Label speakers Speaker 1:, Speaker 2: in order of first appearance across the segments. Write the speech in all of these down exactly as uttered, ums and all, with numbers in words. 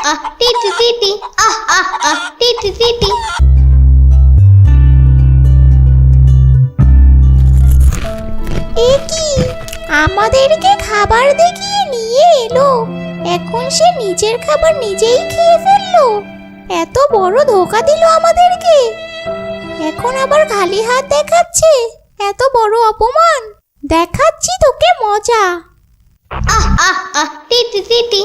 Speaker 1: আহ টিটি টিটি আহ আহ আহ টিটি টিটি।
Speaker 2: এ কি, আমাদেরকে খাবার দেখিয়ে নিয়ে এলো, এখন সে নিজের খাবার নিজেই খেয়ে ফেললো। এত বড় ধোঁকা দিল আমাদেরকে, এখন আবার খালি হাত দেখাচ্ছে। এত বড় অপমান, দেখাচ্ছি তোকে মজা।
Speaker 1: আহ আহ আহ টিটি টিটি।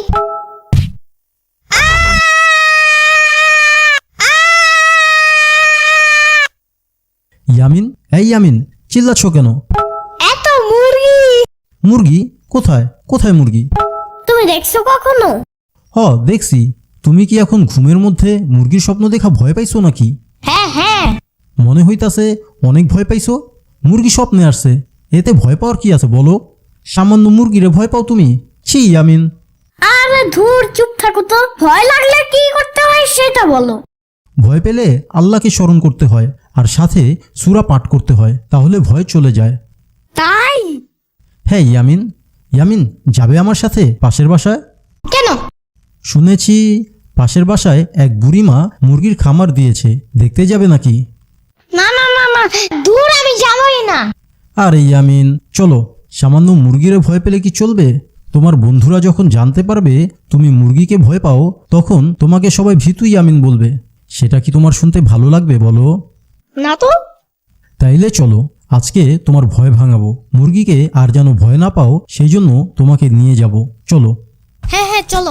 Speaker 3: ইয়ামিন, এই ইয়ামিন, চিল্লাচ্ছ কেন?
Speaker 1: এত মুরগি।
Speaker 3: মুরগি? কোথায় কোথায় মুরগি?
Speaker 1: তুমি দেখছো কখনো?
Speaker 3: হ, দেখছি। তুমি কি এখন ঘুমের মধ্যে মুরগির স্বপ্ন দেখা ভয় পাইছো নাকি?
Speaker 1: হ্যাঁ হ্যাঁ।
Speaker 3: মনে হইতাছে অনেক ভয় পাইছো। মুরগি স্বপ্নে আসছে, এতে ভয় পাওয়ার কি আছে বলো? সামান্য মুরগিরে ভয় পাও তুমি? ছি ইয়ামিন।
Speaker 1: আরে ধুর, চুপ থাকো তো। ভয় লাগলে কি করতে হয় সেটা বলো।
Speaker 3: ভয় পেলে আল্লাহকে স্মরণ করতে হয়, আর সাথে সূরা পাঠ করতে হয়, তাহলে ভয় চলে যায়।
Speaker 1: তাই?
Speaker 3: হ্যাঁ ইয়ামিন। ইয়ামিন, যাবে আমার সাথে পাশের বাসায়?
Speaker 1: কেন?
Speaker 3: শুনেছি পাশের বাসায় এক বুড়িমা মুরগির খামার দিয়েছে, দেখতে যাবে নাকি?
Speaker 1: না না না না, দূর, আমি যাবই না।
Speaker 3: আরে ইয়ামিন, চলো। সামান্য মুরগিরে ভয় পেলে কি চলবে? তোমার বন্ধুরা যখন জানতে পারবে তুমি মুরগিকে ভয় পাও, তখন তোমাকে সবাই ভীতু ইয়ামিন বলবে। সেটা কি তোমার শুনতে ভালো লাগবে বলো?
Speaker 1: না তো।
Speaker 3: তাইলে চলো, আজকে তোমার ভয় ভাঙাবো। মুরগিকে আর যেন ভয় না পাও, সেই জন্য তোমাকে নিয়ে যাব। চলো।
Speaker 1: হ্যাঁ হ্যাঁ চলো।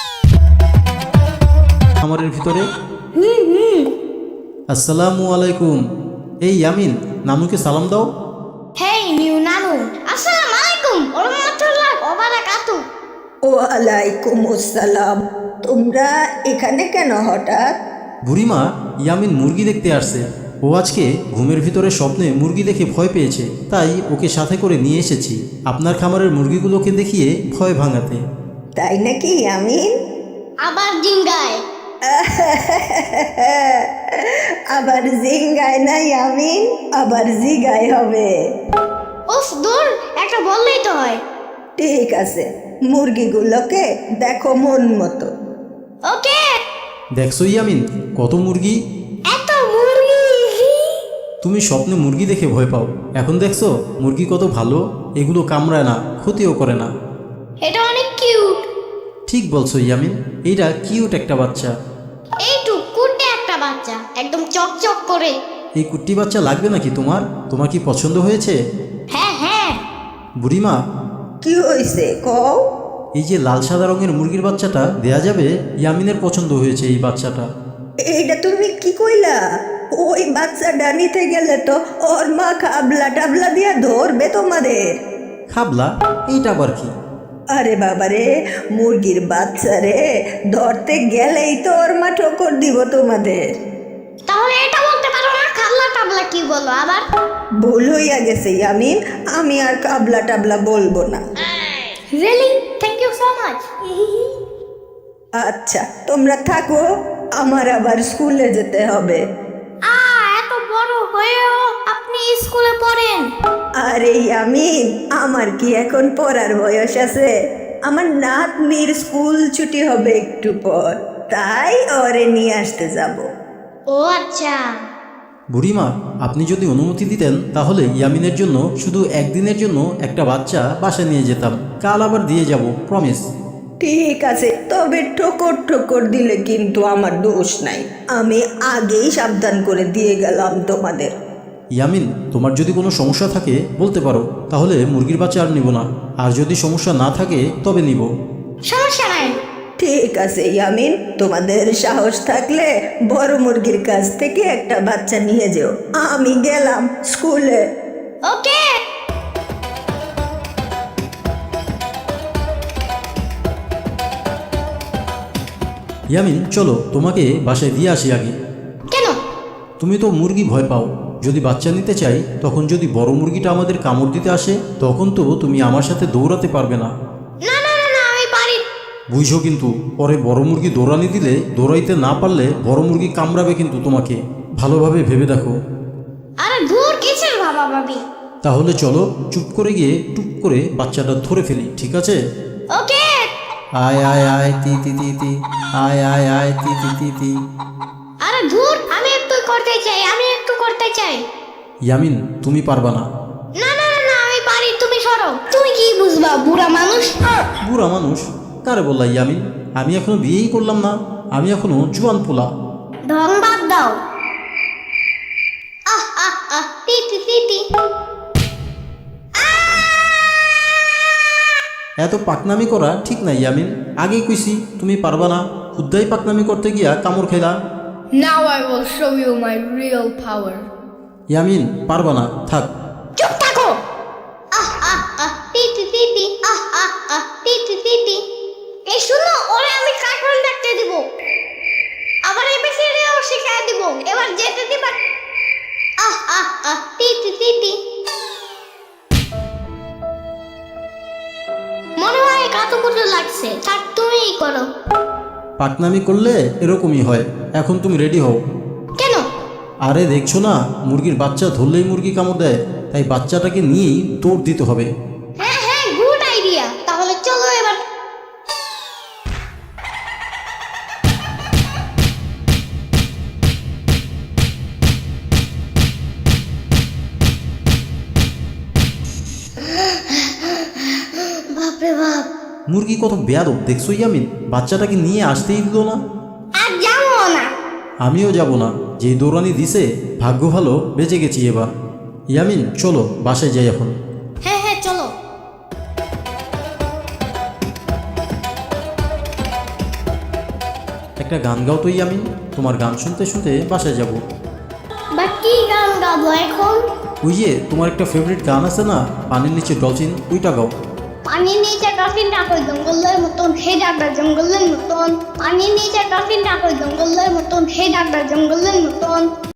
Speaker 3: খামারের ভিতরে। আসসালামু আলাইকুম। এই ইয়ামিন, নানুকে সালাম দাও।
Speaker 1: হেই নিউ নানু, আসসালামু আলাইকুম ওয়া রাহমাতুল্লাহি ওয়া বারাকাতুহু।
Speaker 4: ওয়ালাইকুম আসসালাম। তোমরা এখানে কেন হঠাৎ?
Speaker 3: বুড়িমা, ইয়ামিন মুরগি দেখতে আসছে। ও আজকে ঘুমের ভিতরে স্বপ্নে মুরগি দেখে ভয় পেয়েছে, তাই ওকে সাথে করে নিয়ে এসেছি আপনার খামারের মুরগিগুলোকে দেখিয়ে ভয় ভাঙাতে।
Speaker 4: তাই নাকি আমিন?
Speaker 1: আবার জিঙ্গায়।
Speaker 4: আবার জিঙ্গায় নাই আমিন, আবার জিগায় হবে।
Speaker 1: উফ দূর, একটা বললেই তো হয়।
Speaker 4: ঠিক আছে, মুরগিগুলোকে দেখো মন মতো।
Speaker 1: ওকে।
Speaker 3: দেখছো ইয়ামিন, কত মুরগি!
Speaker 1: এত মুরগি!
Speaker 3: তুমি স্বপ্নে মুরগি দেখে ভয় পাও, এখন দেখছো মুরগি কত ভালো। এগুলো কামড়ায় না, ক্ষতিও করে না।
Speaker 1: এটা অনেক কিউট।
Speaker 3: ঠিক বলছো ইয়ামিন, এইটা কিউট একটা বাচ্চা।
Speaker 1: এইটু কুটে একটা বাচ্চা, একদম চকচক করে।
Speaker 3: এই কুট্টি বাচ্চা লাগবে নাকি তোমার? তোমার কি পছন্দ হয়েছে?
Speaker 1: হ্যাঁ হ্যাঁ।
Speaker 3: বুড়িমা,
Speaker 4: কি হয়েছে কও?
Speaker 3: এই যে লাল সাদা রঙের মুরগির বাচ্চাটা দেয়া যাবে? ইয়ামিনের পছন্দ হয়েছে এই বাচ্চাটা।
Speaker 4: এইটা তুমি কি কইলা? ওই বাচ্চাটা নিতে গেলে তো ওর মা খাবলা টাবলা দিয়া ধরবে তোমাদের।
Speaker 3: খাবলা? এইটা আবার কি?
Speaker 4: আরে বাবারে, মুরগির বাচ্চা রে ধরতে গেলেই তো ওর মা ঠোকর দিব তোমাদের।
Speaker 1: তাহলে এটা বলতে পারো না খাবলা টাবলা কি বলো আবার?
Speaker 4: ভুল হইয়া গেছে ইয়ামিন, আমি আর কাবলা টাবলা বলবো না।
Speaker 1: Really? Thank you so much.
Speaker 4: আচ্ছা তোমরা থাকো, আমার আবার স্কুলে যেতে হবে।
Speaker 1: আ এত বড় হয়েও আপনি স্কুলে পড়েন?
Speaker 4: আরে ইয়ামিন, আমার কি এখন পড়ার বয়স আছে? আমার নাতনির স্কুল ছুটি হবে একটু পর, তাই ওরে নিয়ে আসতে যাব।
Speaker 1: ও আচ্ছা।
Speaker 3: বুড়িমা, আপনি যদি অনুমতি দিতেন তাহলে ইয়ামিনের জন্য শুধু একদিনের জন্য একটা বাচ্চা বাসায় নিয়ে যেতাম। কাল আবার দিয়ে যাব, প্রমিস।
Speaker 4: ঠিক আছে, তবে ঠোকর ঠোকর দিলে কিন্তু আমার দোষ নাই, আমি আগেই সাবধান করে দিয়ে গেলাম তোমাদের।
Speaker 3: ইয়ামিন, তোমার যদি কোনো সমস্যা থাকে বলতে পারো, তাহলে মুরগির বাচ্চা আর নিব না। আর যদি সমস্যা না থাকে তবে নিব।
Speaker 1: সমস্যা নাই।
Speaker 4: ঠিক আছে ইয়ামিন, তোমাদের সাহস থাকলে বড় মুরগির কাছ থেকে একটা বাচ্চা নিয়ে যেও। আমি গেলাম স্কুলে।
Speaker 1: ওকে।
Speaker 3: ইয়ামিন, চলো তোমাকে বাসায় দিয়ে আসি আগে।
Speaker 1: কেন?
Speaker 3: তুমি তো মুরগি ভয় পাও, যদি বাচ্চা নিতে চাই তখন যদি বড় মুরগিটা আমাদের কামড় দিতে আসে, তখন তো তুমি আমার সাথে দৌড়াতে পারবে না।
Speaker 1: না না না না, আমি পারি।
Speaker 3: বুঝছো কিন্তু, পরে বড় মুরগি দৌড়ানি দিলে দৌড়াইতে না পারলে বড় মুরগি কামড়াবে কিন্তু তোমাকে। ভালোভাবে ভেবে দেখো।
Speaker 1: আরে দূর, কিসের ভাবা ভাবি।
Speaker 3: তাহলে চলো চুপ করে গিয়ে টুপ করে বাচ্চাটা ধরে ফেলি, ঠিক আছে?
Speaker 1: ওকে।
Speaker 3: আয় আয় আয় তি তি তি তি আয় আয় আয় তি তি তি তি।
Speaker 1: আরে ধুর, আমি একটু করতে চাই, আমি একটু করতে চাই।
Speaker 3: ইয়ামিন তুমি পারবা না।
Speaker 1: না না না না, আমি পারি, তুমি সরো। তুমি কি বুঝবা বুড়া মানুষ?
Speaker 3: বুড়া মানুষ কারে বললা ইয়ামিন? আমি এখনো বিয়েই করলাম না, আমি এখনো জুয়ান পোলা।
Speaker 1: ঢং বাদ দাও। আহ আহ আহ টি টি টি টি।
Speaker 3: এত পাকনামি করা ঠিক নাই ইয়ামিন, আগেই কইছি তুমি পারবা না, খুদ্দাই পাকনামি করতে গিয়া কামড় খেলা।
Speaker 5: Now I will show you my real power.
Speaker 3: Yamin পারবা না, থাক।
Speaker 1: চুপ থাকো। আহ আহ আহ টি টি টি টি। আহ আহ আহ টি টি টি টি। এই শুনো, ওরে আমি কার্টুন দেখতে দিব, আবার এবিসিডিও শিখাই দিব, এবার যেতে দিবা। আহ আহ আহ টি টি টি টি। মনে হয় কাতুকুতু লাগছে, থাক তুমিই করো।
Speaker 3: পাকনামি করলে এরকমই হয়। এখন তুমি রেডি হও।
Speaker 1: কেন?
Speaker 3: আরে দেখছো না, মুরগির বাচ্চা ধরলেই মুরগি কামড় দেয়, তাই বাচ্চাটাকে নিয়েই দৌড় দিতে হবে।
Speaker 1: হ্যাঁ হ্যাঁ, গুড আইডিয়া। তাহলে চলো এবার। বাপরে বাপ,
Speaker 3: মুরগি কত বেয়াদব দেখছো ইয়ামিন, বাচ্চাটাকে নিয়ে আসতেই দিল না।
Speaker 1: আর যাবো না।
Speaker 3: আমিও যাব না, যেই দৌড়ানি দিছে ভাগ্য ভালো বেঁচে গেছি এবার। ইয়ামিন চলো বাসায় যাই এখন।
Speaker 1: হ্যাঁ হ্যাঁ চলো।
Speaker 3: একটা গান গাও তো ইয়ামিন, তোমার গান শুনতে শুনতে বাসায় যাব।
Speaker 1: বা কি গান গাবো এখন?
Speaker 3: ওই যে তোমার একটা ফেভারিট গান আছে না, পানির নিচে ডলফিন, ওইটা গাও।
Speaker 1: পানির নিচে ডলফিন ডাকো জঙ্গলের মতন, হে ডাকবে জঙ্গলের মতন। পানির নিচে ডলফিন ডাকো জঙ্গলের মতন, হে ডাকবে জঙ্গলের মতন।